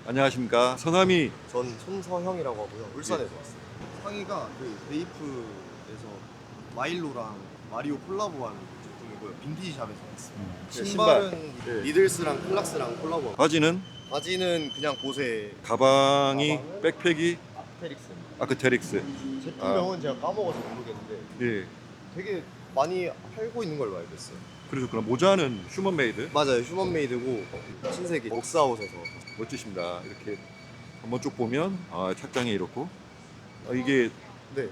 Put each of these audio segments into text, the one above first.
안녕하십니까. 성함이 전 손서형이라고 하고요. 울산에서 왔어요. 상의가 그 베이프에서 마일로랑 마리오 콜라보한 제품이고요. 빈티지 샵에서 왔어요. 신발은 예. 리들스랑 클락스랑 콜라보. 바지는 바지는 그냥 보세 가방이 가방은? 백팩이 아테릭스. 아크테릭스. 제품명은 제가 까먹어서 모르겠는데 예. 되게 많이 팔고 있는 걸로 알고 있어요. 그러셨구나. 모자는 휴먼메이드. 맞아요. 휴먼메이드고 신세계 옥사웃에서. 멋지십니다. 이렇게 한번 쭉 보면 착장이 이렇고 이게 네,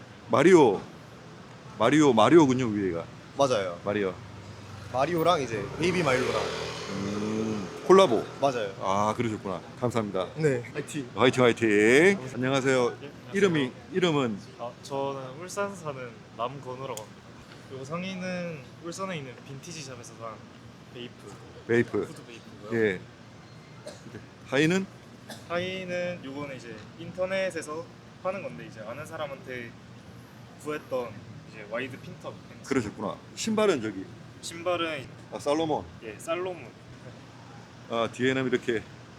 마리오군요. 위에가 맞아요. 마리오. 마리오랑 이제 베이비 마일로랑. 콜라보. 맞아요. 아 그러셨구나. 감사합니다. 네, 화이팅. 화이팅 화이팅. 안녕하세요. 예, 이름은 저는 울산 사는 남건우라고 합니다. 그리고 상의는 울산에 있는 빈티지 샵에서 산 베이프. 후드 베이프고요. 예. 하의는 하의는 요거는 이제 인터넷에서 파는 건데 이제 아는 사람한테 구했던 이제 와이드 핀터 팬츠. 그러셨구나. 신발은 저기 신발은 살로몬. 예 살로몬. 뒤에는 이렇게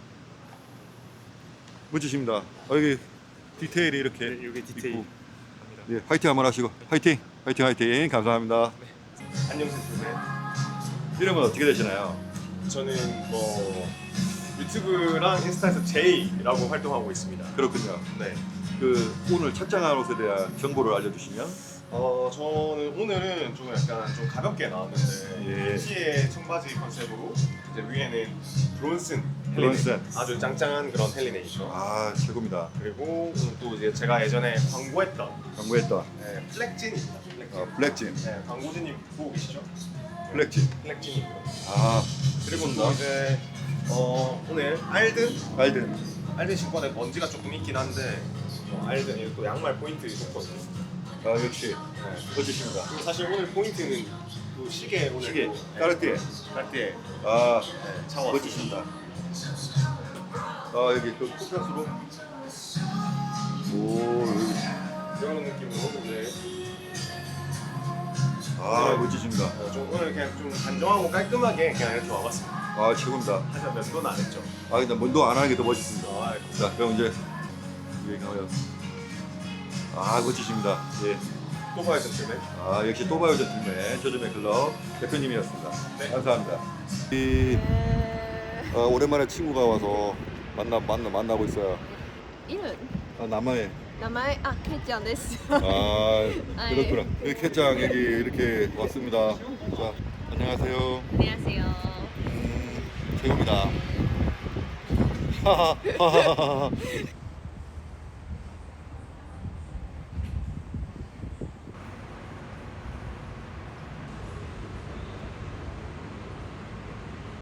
멋지십니다. 여기 디테일이 이렇게 네, 요게 디테일. 있고. 합니다. 예, 화이팅 한번 하시고 화이팅 화이팅 감사합니다. 안녕하세요. 이름은 어떻게 되시나요? 저는 뭐 유튜브랑 인스타에서 제이라고 활동하고 있습니다. 그렇군요. 네. 그 오늘 착장한 옷에 대한 정보를 알려주시면. 저는 오늘은 좀 약간 좀 가볍게 나왔는데 예. 티에 청바지 컨셉으로 이제 위에는 브론슨 브론슨. 헬리네이션. 아주 짱짱한 그런 헬리네이션. 최고입니다. 그리고 또 이제 제가 예전에 광고했던 광고했던 플렉진입니다. 플렉진. 블랙진. 네, 광고주님 보고 계시죠? 블랙진. 플렉진이고요. 그리고 또 이제 오늘 알든. 알든 신발에 먼지가 조금 있긴 한데 알든 또 양말 포인트 좋거든요. 역시 멋지십니다. 그리고 사실 오늘 포인트는 또 시계 오늘 시계, 또, 까르띠에. 까르띠에 차와 멋지십니다. 여기 그 쿠팡스로. 이런 느낌으로 이제 멋지십니다. 좀 오늘 그냥 좀 단정하고 깔끔하게 그냥 이렇게 와봤습니다. 최고입니다. 하지만 면도는 안 했죠. 근데 면도 안 하는 게 더 멋있습니다. 감사합니다. 자, 그럼 이제 여기 가요. 멋지십니다. 예. 또 봐야 되는데. 역시 또바이오 젠틀맨 저점의 클럽 대표님이었습니다. 네. 감사합니다. 오랜만에 친구가 와서 만나고 있어요. 이름? 남아의. 名前あけいちゃんです 그렇구나. 여기 캐짱 여기 이렇게 왔습니다. 자, 안녕하세요. 안녕하세요. 최고입니다. 하하하하.